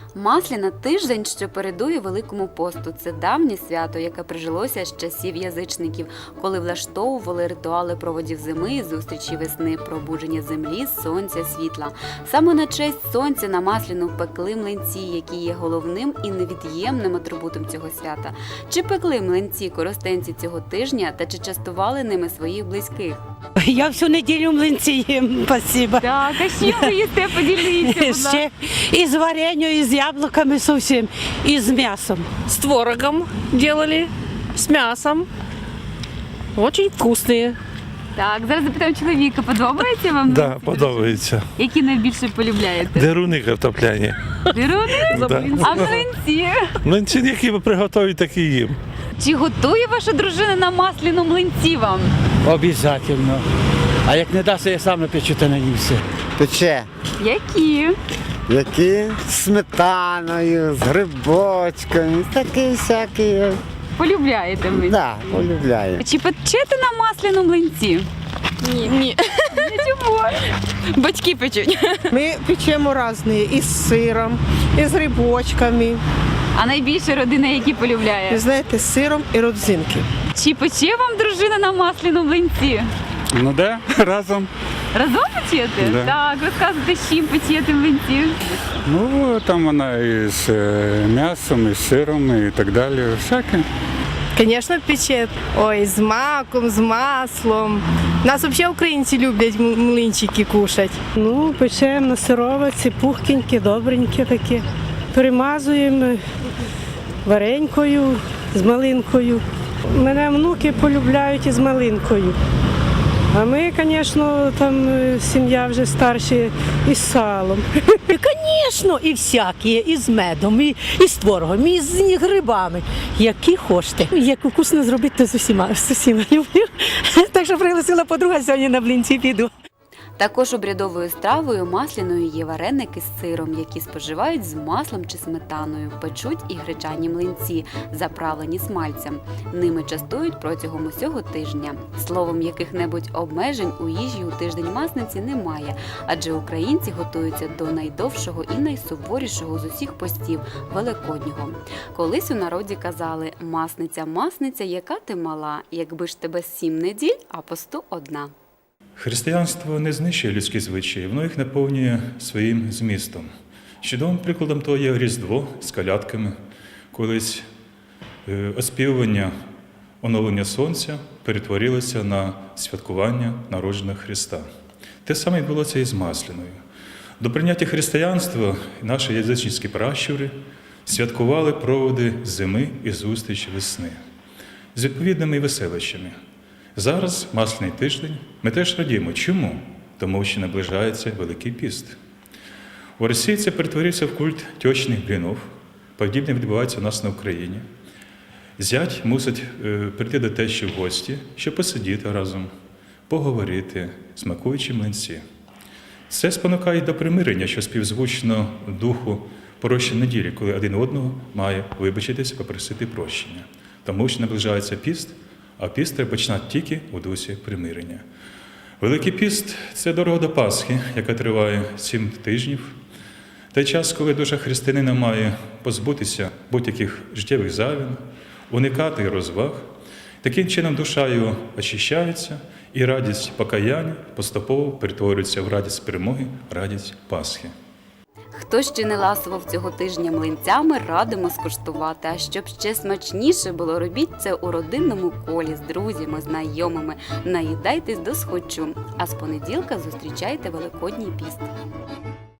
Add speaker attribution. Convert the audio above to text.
Speaker 1: Масляна – тиждень, що передує Великому посту. Це давнє свято, яке прижилося з часів язичників, коли влаштовували ритуали проводів зими, зустрічі весни, пробудження землі, сонця, світла. Саме на честь сонця на Масляну пекли млинці, які є головним і невід'ємним атрибутом цього свята. Чи пекли млинці коростенці цього тижня та чи частували ними своїх близьких?
Speaker 2: Я всю неділю млинці їм, спасибо.
Speaker 1: Так, а що ви їсте? Поділіться, будь ласка.
Speaker 2: Ще і з варенью, і з яблуками зовсім, і з м'ясом.
Speaker 3: С творогом делали, с мясом. Очень вкусные.
Speaker 1: Так, зараз запитаю чоловіка, подобається вам?
Speaker 4: Да,
Speaker 1: млинці?
Speaker 4: подобається.
Speaker 1: Які найбільше полюбляєте?
Speaker 4: Деруни картопляні.
Speaker 1: Деруни?
Speaker 4: Да.
Speaker 1: А млинці?
Speaker 4: Млинці, які ви приготують, такі їм.
Speaker 1: Чи готує ваша дружина на Масляну млинці вам?
Speaker 5: Обязательно. А як не дасть, я сам напечу та наївся.
Speaker 6: Пече.
Speaker 1: Які?
Speaker 6: Які? З сметаною, з грибочками, такі всякі.
Speaker 1: Полюбляєте млинці?
Speaker 6: Да, полюбляю.
Speaker 1: Чи печете на Масляну млинці?
Speaker 3: Ні.
Speaker 1: Чому?
Speaker 3: Батьки печуть.
Speaker 7: Ми печемо різні, із сиром, і з грибочками.
Speaker 1: А найбільше родина які
Speaker 7: Ви
Speaker 1: полюбляє?
Speaker 7: знаєте, з сиром і родзинки.
Speaker 1: Чи пече вам дружина на Масляну млинці?
Speaker 8: Ну да, разом.
Speaker 1: Разом печете?
Speaker 8: Да.
Speaker 1: Так, розказуйте, з чим печете млинці?
Speaker 8: Ну, там вона і з м'ясом, і з сиром, і так далі. Всяке.
Speaker 7: Звісно, пече. Ой, з маком, з маслом. Нас взагалі українці люблять млинчики кушати.
Speaker 2: Ну, печемо на сировиці, пухкенькі, добренькі такі. Перемазуємо варенькою з малинкою. Мене внуки полюбляють із малинкою. А ми, звісно, там сім'я вже старші із салом.
Speaker 9: Звісно, і всякі, і з медом, і з творогом, і з грибами. Які хочете. Як вкусно зробити, то з усіма люблю. Так що пригласила подруга, сьогодні на блинці піду.
Speaker 1: Також обрядовою стравою масляною є вареники з сиром, які споживають з маслом чи сметаною, печуть і гречані млинці, заправлені смальцем. Ними частують протягом усього тижня. Словом, яких-небудь обмежень у їжі у тиждень Масниці немає, адже українці готуються до найдовшого і найсуворішого з усіх постів – Великоднього. Колись у народі казали «Масниця, Масниця, яка ти мала, якби ж тебе 7 неділь, а посту одна».
Speaker 10: Християнство не знищує людські звичаї, воно їх наповнює своїм змістом. Чудовим прикладом того є Різдво з колядками. Колись оспівування оновлення сонця перетворилося на святкування народження Христа. Те саме відбулося і з Масляною. До прийняття християнства наші язичницькі пращури святкували проводи зими і зустрічі весни з відповідними веселищами. Зараз, Масляний тиждень, ми теж радіємо. Чому? Тому що наближається Великий піст. У Росії це перетворився в культ тьощиних блінів. Подібне відбувається у нас на Україні. Зять мусить прийти до тещі в гості, щоб посидіти разом, поговорити, смакуючи млинці. Це спонукає до примирення, що співзвучно духу прощення неділі, коли один одного має вибачитися, попросити прощення. Тому що наближається піст, а піст треба починати тільки у дусі примирення. Великий піст – це дорога до Пасхи, яка триває 7 тижнів. Той час, коли душа християнина має позбутися будь-яких життєвих завін, уникати розваг. Таким чином душа його очищається, і радість покаяння поступово перетворюється в радість перемоги, радість Пасхи.
Speaker 1: Хто ще не ласував цього тижня млинцями, радимо скуштувати. А щоб ще смачніше було, робіть це у родинному колі, з друзями, знайомими. Наїдайтесь досхочу. А з понеділка зустрічайте Великодній піст.